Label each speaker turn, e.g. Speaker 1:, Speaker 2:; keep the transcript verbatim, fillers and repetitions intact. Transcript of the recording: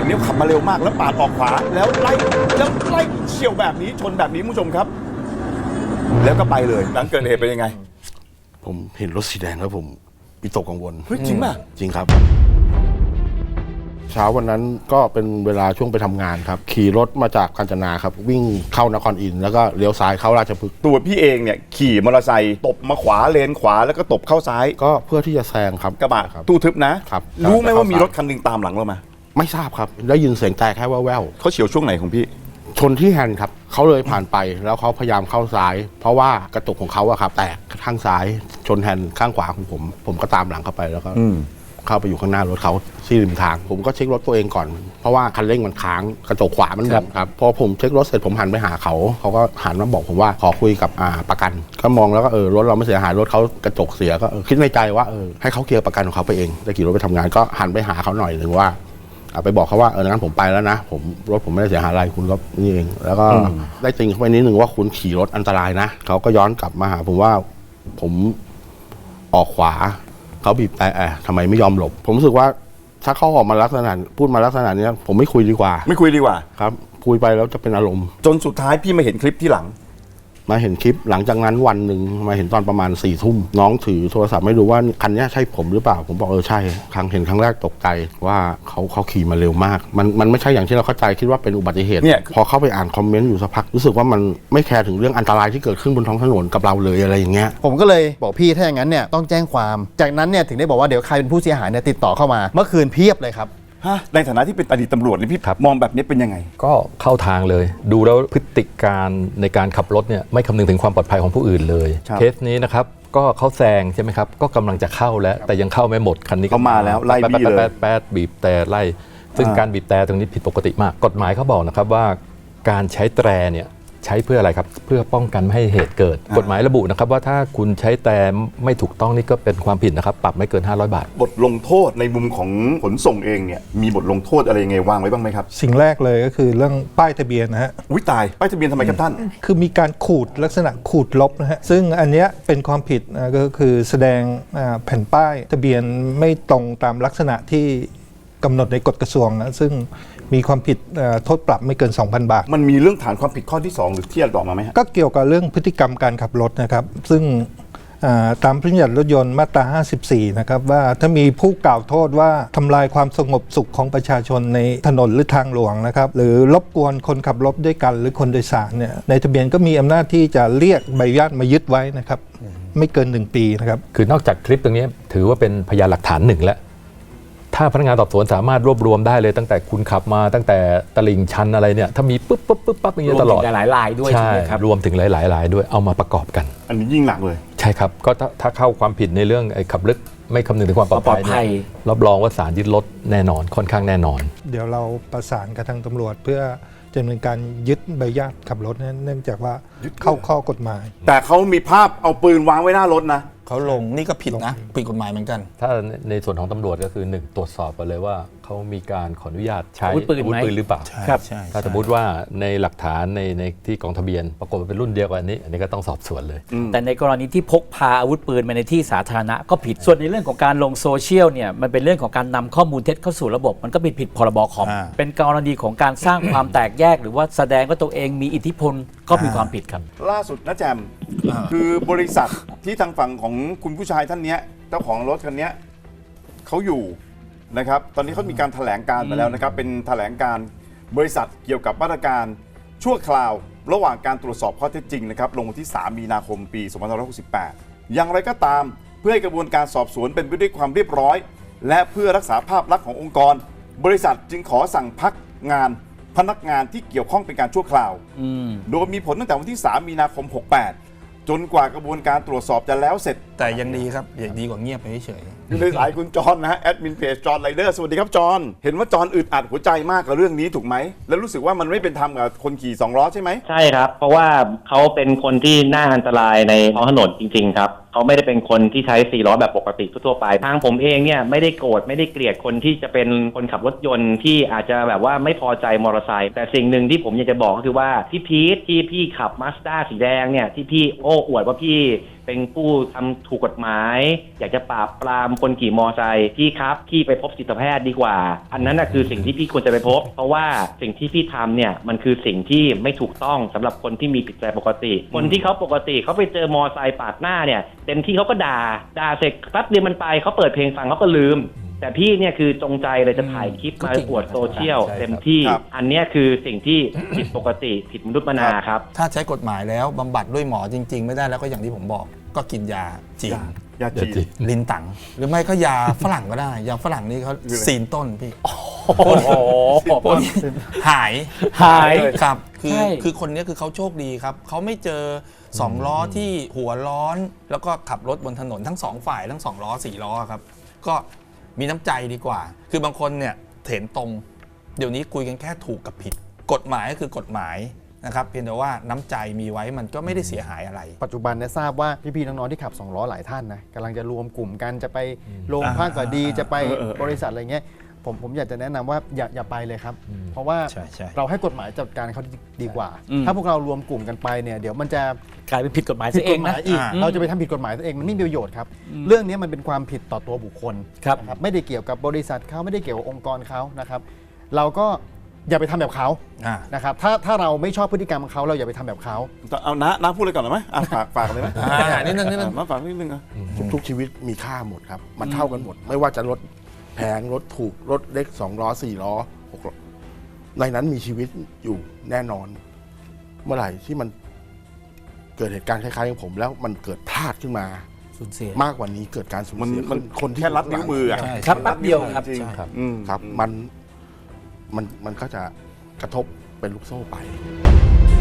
Speaker 1: แบบนี้ขับมาเร็วมากแล้วปาดออกขวาแล้วไล่แล้วไล่เฉี่ยวแบบนี้ชนแบบนี้คุณผู้ชมครับแล้วก็ไปเลยหลังเกิดเหตุเป็นยังไง
Speaker 2: ผมเห็นรถสีแดงแล้วผมวิตกกังวล
Speaker 1: เฮ้ยจริงป่ะ
Speaker 2: จริงครับเช้าวันนั้นก็เป็นเวลาช่วงไปทำงานครับขี่รถมาจากกาญจนาครับวิ่งเข้านครอินทร์แล้วก็เลี้ยวซ้ายเข้าราชพฤกษ์
Speaker 1: ตัวพี่เองเนี่ยขี่มอเตอร์ไซค์ตบมาขวาเลนขวาแล้วก็ตบเข้าซ้าย
Speaker 2: ก็เพื่อที่จะแซงครับ
Speaker 1: กระบะ
Speaker 2: ครับ
Speaker 1: ตู้ทึบนะครับรู้ไหมว่ามีรถคันหนึ่งตามหลังเรามา
Speaker 2: ไม่ทราบครับได้ยินเสียงแต่แค่แว่ว
Speaker 1: ๆเขาเฉียวช่วงไหนของพี่
Speaker 2: ชนที่แฮนด์ครับเขาเลยผ่านไปแล้วเขาพยายามเข้าซ้ายเพราะว่ากระจกของเขาอะครับแตกข้างซ้ายชนแฮนด์ข้างขวาของผมผมก็ตามหลังเข้าไปแล้วก็เข้าไปอยู่ข้างหน้ารถเขาที่ริมทางผมก็เช็ครถตัวเองก่อนเพราะว่าคันเร่งมันค้างกระจกขวามันดับครับพอผมเช็ครถเสร็จผมหันไปหาเขาเขาก็หันมาบอกผมว่าขอคุยกับอ่าประกันก็มองแล้วก็เออรถเราไม่เสียหายรถเขากระจกเสียก็คิดในใจว่าเออให้เขาเคลียร์ประกันของเขาไปเองได้ขี่รถไปทำงานก็หันไปหาเขาหน่อยหนึ่งว่าไปบอกเขาว่าเอองั้นผมไปแล้วนะผมรถผมไม่ได้เสียหายอะไรคุณก็นี่เองแล้วก็ได้ติงเข้าไปนิดนึงว่าคุณขี่รถอันตรายนะเขาก็ย้อนกลับมาหาผมว่าผมออกขวาเขาบีบแต่แอบทำไมไม่ยอมหลบผมรู้สึกว่าถ้าเขาออกมาลักษณะพูดมาลักษณะนี้ผมไม่คุยดีกว่า
Speaker 1: ไม่คุยดีกว่า
Speaker 2: ครับคุยไปแล้วจะเป็นอารมณ์
Speaker 1: จนสุดท้ายพี่มาเห็นคลิปที่หลัง
Speaker 2: มาเห็นคลิปหลังจากนั้นวันหนึ่งมาเห็นตอนประมาณสี่ทุ่มน้องถือโทรศัพท์ไม่รู้ว่าคันนี้ใช่ผมหรือเปล่าผมบอกเออใช่ครั้งเห็นครั้งแรกตกใจว่าเขาเขาขี่มาเร็วมากมันมันไม่ใช่อย่างที่เราเข้าใจคิดว่าเป็นอุบัติเหตุเนี่ยพอเข้าไปอ่านคอมเมนต์อยู่สักพักรู้สึกว่ามันไม่แคร์ถึงเรื่องอันตรายที่เกิดขึ้นบนท้องถนนกับเราเลยอะไรอย่างเงี้ย
Speaker 3: ผมก็เลยบอกพี่ถ้าอย่างนั้นเนี่ยต้องแจ้งความจากนั้นเนี่ยถึงได้บอกว่าเดี๋ยวใครเป็นผู้เสียหายเนี่ยติดต่อเข้ามาเมื่อคืนเพียบเลยครับ
Speaker 1: ในฐานะที่เป็นอดีตตำรวจนี่พี่มองแบบนี้เป็นยังไง
Speaker 4: ก็เข้าทางเลยดูแล้วพฤติการในการขับรถเนี่ยไม่คำนึงถึงความปลอดภัยของผู้อื่นเลยเคสนี้นะครับก็เขาแซงใช่ไหมครับก็กำลังจะเข้าแล้วแต่ยังเข้าไม่หมดคันนี้
Speaker 1: เขามาแล้วไล่บี้เลย
Speaker 4: แป๊ดบีบแต่ไล่ซึ่งการบีบแต่ตรงนี้ผิดปกติมากกฎหมายเขาบอกนะครับว่าการใช้แตรเนี่ยใช้เพื่ออะไรครับเพื่อป้องกันไม่ให้เหตุเกิดกฎหมายระบุนะครับว่าถ้าคุณใช้แต่ไม่ถูกต้องนี่ก็เป็นความผิดนะครับปรับไม่เกินห้าร้อยบาท
Speaker 1: บทลงโทษในมุมของขนส่งเองเนี่ยมีบทลงโทษอะไรยังไงวางไว้บ้างไหมครับ
Speaker 5: สิ่งแรกเลยก็คือเรื่องป้ายทะเบียนนะฮะ
Speaker 1: อุ้ยตายป้ายทะเบียนทำไมครับท่าน
Speaker 5: คือมีการขูดลักษณะขูดลบนะฮะซึ่งอันเนี้ยเป็นความผิดนะก็คือแสดงแผ่นป้ายทะเบียนไม่ตรงตามลักษณะที่กำหนดในกฎกระทรวงนะซึ่งมีความผิดโทษปรับไม่เกิน สองพัน บาท
Speaker 1: มันมีเรื่องฐานความผิดข้อที่สองหรือที่บอกมาไหม
Speaker 5: ก็เกี่ยวกับเรื่องพฤติกรรมการขับรถนะครับซึ่งตามพระราชบัญญัติรถยนต์มาตราห้าสิบสี่นะครับว่าถ้ามีผู้กล่าวโทษว่าทำลายความสงบสุขของประชาชนในถนนหรือทางหลวงนะครับหรือรบกวนคนขับรถด้วยกันหรือคนโดยสารเนี่ยในทะเบียนก็มีอำนาจที่จะเรียกใบอนุญาตมายึดไว้นะครับไม่เกินหนึ่งปีนะครับ
Speaker 4: คือนอกจากคลิปตรงนี้ถือว่าเป็นพยานหลักฐานหนึ่งแล้วถ้าพนักงานสอบสวนสามารถรวบรวมได้เลยตั้งแต่คุณขับมาตั้งแต่ตลิ่งชันอะไรเนี่ยถ้ามีปุ๊บปุ๊บปุ๊บปั๊บอย่างเงี้ยตลอด
Speaker 6: รวมถึงหลายรายด้วยใช่ไหมครับ
Speaker 4: รวมถึงหลายๆรายด้วยเอามาประกอบกัน
Speaker 1: อันนี้ยิ่งหนักเลย
Speaker 4: ใช่ครับก็ถ้าเข้าความผิดในเรื่องไอ้ขับรถไม่คำนึงถึงความปลอดภัยรับรองว่าศาลยึดรถแน่นอนค่อนข้างแน่นอน
Speaker 5: เดี๋ยวเราประสานกับทางตำรวจเพื่อดำเนินการยึดใบอนุญาตขับรถเนื่องจากว่าเข้าข้อกฎหมาย
Speaker 1: แต่เขามีภาพเอาปืนวางไว้หน้ารถนะ
Speaker 6: เขาลงนี่ก็ผิดนะผิดกฎหมายเหมือนกัน
Speaker 4: ถ้าในส่วนของตำรวจก็คือหนึ่งตรวจสอบไปเลยว่าเขามีการขออนุญาตใช้
Speaker 6: อาวุธปืน
Speaker 4: หรือเปล่า
Speaker 6: ครับ
Speaker 4: ถ้าสมมติว่าในหลักฐานในในที่กองทะเบียนปรากฏว่าเป็นรุ่นเดียวกันนี้อันนี้ก็ต้องสอบสวนเลย
Speaker 6: แต่ในกรณีที่พกพาอาวุธปืนมาในที่สาธารณะก็ผิดส่วนในเรื่องของการลงโซเชียลเนี่ยมันเป็นเรื่องของการนำข้อมูลเท็จเข้าสู่ระบบมันก็ผิดผิดพรบคอมเป็นกรณีของการสร้างความแตกแยกหรือว่าแสดงว่าตัวเองมีอิทธิพลก็มีความผิดครับ
Speaker 1: ล่าสุดนะแจมคือบริษัทที่ทางฝั่งของคุณผู้ชายท่านนี้เจ้าของรถคันนี้เขาอยู่นะครับตอนนี้เขามีการแถลงการมาแล้วนะครับเป็นแถลงการบริษัทเกี่ยวกับมาตรการชั่วคราวระหว่างการตรวจสอบข้อเท็จจริงนะครับลงวันที่สามมีนาคมปีสองพันห้าร้อยหกสิบแปดอย่างไรก็ตามเพื่อให้กระบวนการสอบสวนเป็นไปด้วยความเรียบร้อยและเพื่อรักษาภาพลักษณ์ขององค์กรบริษัทจึงขอสั่งพักงานพนักงานที่เกี่ยวข้องเป็นการชั่วคราวโดยมีผลตั้งแต่วันที่สามมีนาคมหกแปดจนกว่ากระบวนการตรวจสอบจะแล้วเสร็จ
Speaker 6: แต่ยังดีครับอย่างดีกว่าเงียบไปเฉย
Speaker 1: อยู่ในสายคุณจอนนะฮะแอดมินเพจจอนไรเดอร์สวัสดีครับจอนเห็นว่าจอนอึดอัดหัวใจมากกับเรื่องนี้ถูกไหมแล้วรู้สึกว่ามันไม่เป็นธรรมกับคนขี่สองล้อใช่ไหม
Speaker 7: ใช่ครับเพราะว่าเขาเป็นคนที่น่าอันตรายในท้องถนนจริงๆครับเขาไม่ได้เป็นคนที่ใช้สี่ล้อแบบปกติทั่วไปทางผมเองเนี่ยไม่ได้โกรธไม่ได้เกลียดคนที่จะเป็นคนขับรถยนต์ที่อาจจะแบบว่าไม่พอใจมอเตอร์ไซค์แต่สิ่งหนึ่งที่ผมอยากจะบอกก็คือว่าพี่พีทที่พี่ขับมาสด้าสีแดงเนี่ยที่พี่โอ้อวดว่าพี่เป็นผู้ทำถูกกฎหมาย อยากจะปราบปรามคนขี่มอไซค์พี่ครับพี่ไปพบจิตแพทย์ดีกว่า อันนั้นนะคือสิ่งที่พี่ควรจะไปพบ เพราะว่าสิ่งที่พี่ทำเนี่ยมันคือสิ่งที่ไม่ถูกต้องสำหรับคนที่มีจิตใจปกติ คนที่เขาปกติเขาไปเจอมอไซค์ปาดหน้าเนี่ยเต็มที่เขาก็ด่าด่าเสร็จแป๊บเดียวมันไปเขาเปิดเพลงฟังเขาก็ลืม แต่พี่เนี่ยคือจงใจเลยจะถ่ายคลิปมาอวดโซเชียลเต็มที่ อันเนี้ยคือสิ่งที่ผิดปกติผิดมนุษย์มนาครับ
Speaker 8: ถ้าใช้กฎหมายแล้วบำบัดด้วยหมอจริง ๆ ไม่ได้แล้วก็อย่างที่ผมบอกก็กินยาจีน
Speaker 1: ยาจีน
Speaker 8: ลินตังหรือไม่ก็ยาฝรั่งก็ได้ ยาฝรั่งนี่เขาซีนต้นพี่
Speaker 6: โอ้โห
Speaker 8: พวกนี้หาย
Speaker 6: หาย
Speaker 8: ครับคือ
Speaker 6: ใช่
Speaker 8: คือคนนี้คือเขาโชคดีครับเขาไม่เจอสองล้อที่หัวร้อน แล้วก็ขับรถบนถนนทั้งสองฝ่ายทั้งสองล้อสี่ล้อครับก็มีน้ำใจดีกว่า คือบางคนเนี่ยเถนตรงเดี๋ยวนี้คุยกันแค่ถูกกับผิด กฎหมายก็คือกฎหมายนะครับเพียงแต่ว่าน้ำใจมีไว้มันก็ไม่ได้เสียหายอะไร
Speaker 3: ปัจจุบันเนี่ยทราบว่าพี่ๆน้องๆที่ขับสองล้อหลายท่านนะกำลังจะรวมกลุ่มกันจะไปโรงพักก็ดีจะไปบริษัทอะไรเงี้ยผมผมอยากจะแนะนำว่าอย่าอย่าไปเลยครับ เพราะว่า
Speaker 8: ใช่ใช่
Speaker 3: เราให้กฎหมายจัดการเขาดีกว่า
Speaker 6: อืม
Speaker 3: ถ้าพวกเรารวมกลุ่มกันไปเนี่ยเดี๋ยวมันจะ
Speaker 6: กลายเป็นผิดกฎหมาย
Speaker 3: ผิ
Speaker 6: ซะ
Speaker 3: ด
Speaker 6: เอก
Speaker 3: ฎ
Speaker 6: ง
Speaker 3: หมา
Speaker 6: นะ
Speaker 3: ยอีก
Speaker 8: อ่า
Speaker 3: เราจะไปทำผิดกฎหมายตัวเองมันไม่มีประโยชน์ครับ เรื่องนี้มันเป็นความผิดต่อตัวบุคคล
Speaker 6: ครับ
Speaker 3: นะไม่ได้เกี่ยวกับบริษัทเขาไม่ได้เกี่ยวกับองค์กรเขานะครับ เราก็อย่าไปทำแบบเขา
Speaker 8: อ่า
Speaker 3: นะครับถ้าถ้าเราไม่ชอบพฤติกรรมของเขาเราอย่าไปทำแบบเขา
Speaker 1: เอาน้าน้าพูดเลยก่อนหน่อยไหมอ่ะฝากฝากเลยไหม
Speaker 8: อ่านิดนึงนิดนึง
Speaker 1: อ่ะมาฝากนิดนึงอ่ะ
Speaker 2: ทุกๆชีวิตมีค่าหมดครับ มันเท่ากันหมด ไม่ว่าจะรถแพงรถถูก รถเล็กสองล้อสี่ล้อหกล้อในนั้นมีชีวิตอยู่แน่นอน เมื่อไหร่ที่มันเกิดเหตุการณ์คล้ายๆกับผม แล้วมันเกิดพลาดขึ้นมา
Speaker 6: สูญเสีย
Speaker 2: มากกว่านี้เกิดการสูญ
Speaker 1: มัน
Speaker 2: เสีย
Speaker 1: มัน
Speaker 2: คนที่
Speaker 1: แค่รัดนิ้วมืออ่ะ
Speaker 8: ใช่
Speaker 6: ครับแป๊บเดียวครับ
Speaker 1: จริง
Speaker 6: ใช่ครับ
Speaker 1: อืม
Speaker 2: ครับ มันมันมันก็จะกระทบเป็นลูกโซ่ไป